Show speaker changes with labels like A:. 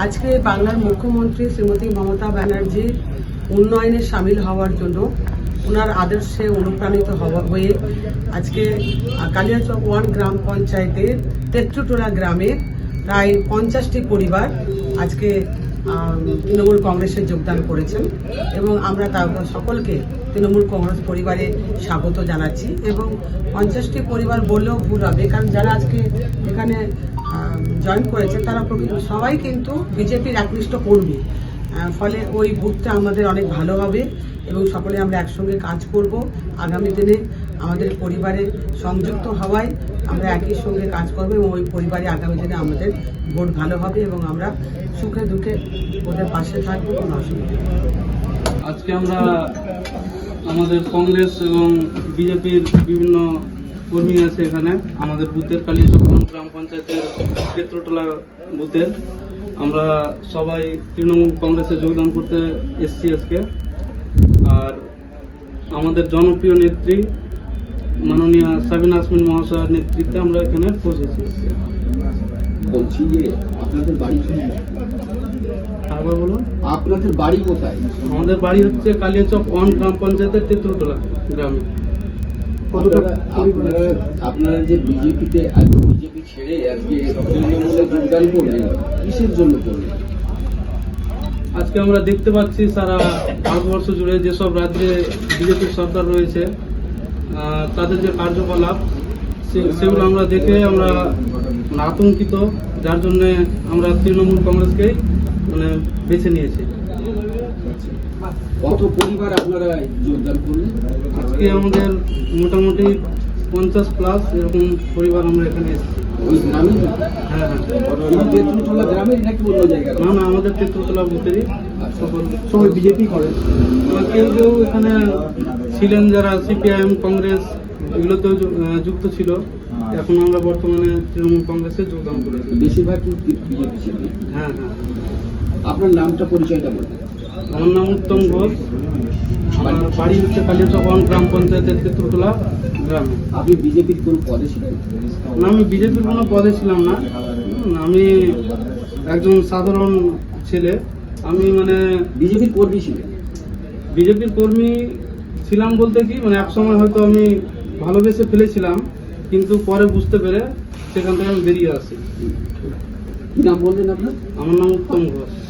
A: আজকে বাংলার মুখ্যমন্ত্রী শ্রীমতী মমতা ব্যানার্জি উন্নয়নে সামিল হওয়ার জন্য ওনার আদর্শে অনুপ্রাণিত হয়ে আজকে কালিয়াচক 1 গ্রাম পঞ্চায়েতের তেত্রুটোলা গ্রামে প্রায় 50টি পরিবার আজকে তৃণমূল কংগ্রেসে যোগদান করেছেন এবং আমরা সকলকে তৃণমূল কংগ্রেস পরিবারে স্বাগত জানাচ্ছি। এবং 50টি পরিবার বললেও ভুল হবে, কারণ যারা আজকে এখানে জয়েন করেছে তারা সবাই কিন্তু বিজেপির একনিষ্ঠ কর্মী, ফলে ওই বুথটা আমাদের অনেক ভালো হবে এবং সকলে আমরা একসঙ্গে কাজ করব। আগামী দিনে আমাদের পরিবারে সংযুক্ত হওয়ায় আমরা একই সঙ্গে কাজ করব এবং ওই পরিবারে আগামী দিনে আমাদের ভোট ভালো হবে এবং আমরা সুখে দুঃখে ওদের পাশে থাকবো, কোনো অসুবিধা নেই।
B: আজকে আমরা আমাদের কংগ্রেস এবং বিজেপির বিভিন্ন কর্মী আছে এখানে আমাদের বুথের কালিয়াচক গ্রাম পঞ্চায়েতের তেত্রটোলা বুথের আমরা সবাই তৃণমূল কংগ্রেসে যোগদান করতে এসেছি আজকে। আর আমাদের জনপ্রিয় নেত্রী মাননীয় সাবিনা ইয়াসমিন মহাশয়ের নেতৃত্বে আমরা এখানে পৌঁছেছি।
C: বলছি যে আপনাদের বাড়ি
B: আবার বলুন,
C: আপনাদের বাড়ি কোথায়?
B: আমাদের বাড়ি হচ্ছে কালিয়াচক 1 গ্রাম পঞ্চায়েতের তেত্রটোলা গ্রামে।
C: আপনারা যে বিজেপিতে বিজেপি ছেড়ে আজকে তৃণমূলে যোগদান করলেন, কিসের জন্য করলেন?
B: আজকে আমরা দেখতে পাচ্ছি সারা ভারতবর্ষ জুড়ে যেসব রাজ্যে বিজেপির সরকার রয়েছে তাদের যে কার্যকলাপ সেগুলো আমরা দেখে আমরা আতঙ্কিত, যার জন্য আমরা তৃণমূল কংগ্রেসকে বেছে নিয়েছি।
C: কত পরিবার আপনারা যোগদান করলেন?
B: আজকে আমাদের মোটামুটি 50+ এরকম পরিবার আমরা এখানে এসেছি।
C: ওই গ্রামে?
B: হ্যাঁ,
C: তেত্রুটোলা গ্রামের নাকি অন্য জায়গায়?
B: না, আমাদের তেত্রটোলা বুথেরই
C: সবাই বিজেপি করে।
B: কেউ কেউ এখানে ছিলেন যারা সিপিআইএম কংগ্রেস এগুলোতেও যুক্ত ছিল। এখন আমরা বর্তমানে তৃণমূল কংগ্রেসে যোগদান করেছি।
C: বেশিরভাগ বিজেপি ছিল।
B: হ্যাঁ।
C: আপনার নামটা পরিচয়টা বলবেন?
B: আমার নাম উত্তম ঘোষ, আমার বাড়ি হচ্ছে কালিয়াচক 1 গ্রাম পঞ্চায়েতের তেত্রটোলা গ্রামে।
C: আপনি বিজেপির কোন পদে ছিলেন?
B: না, আমি বিজেপির কোনো পদে ছিলাম না। আমি একজন সাধারণ ছেলে। আমি
C: বিজেপির কর্মী ছিলেন?
B: বিজেপির কর্মী ছিলাম বলতে কি এক সময় হয়তো আমি ভালোবেসে ফেলেছিলাম, কিন্তু পরে বুঝতে পেরে সেখান থেকে আমি বেরিয়ে আসি।
C: কি নাম বললেন আপনার?
B: আমার নাম উত্তম ঘোষ।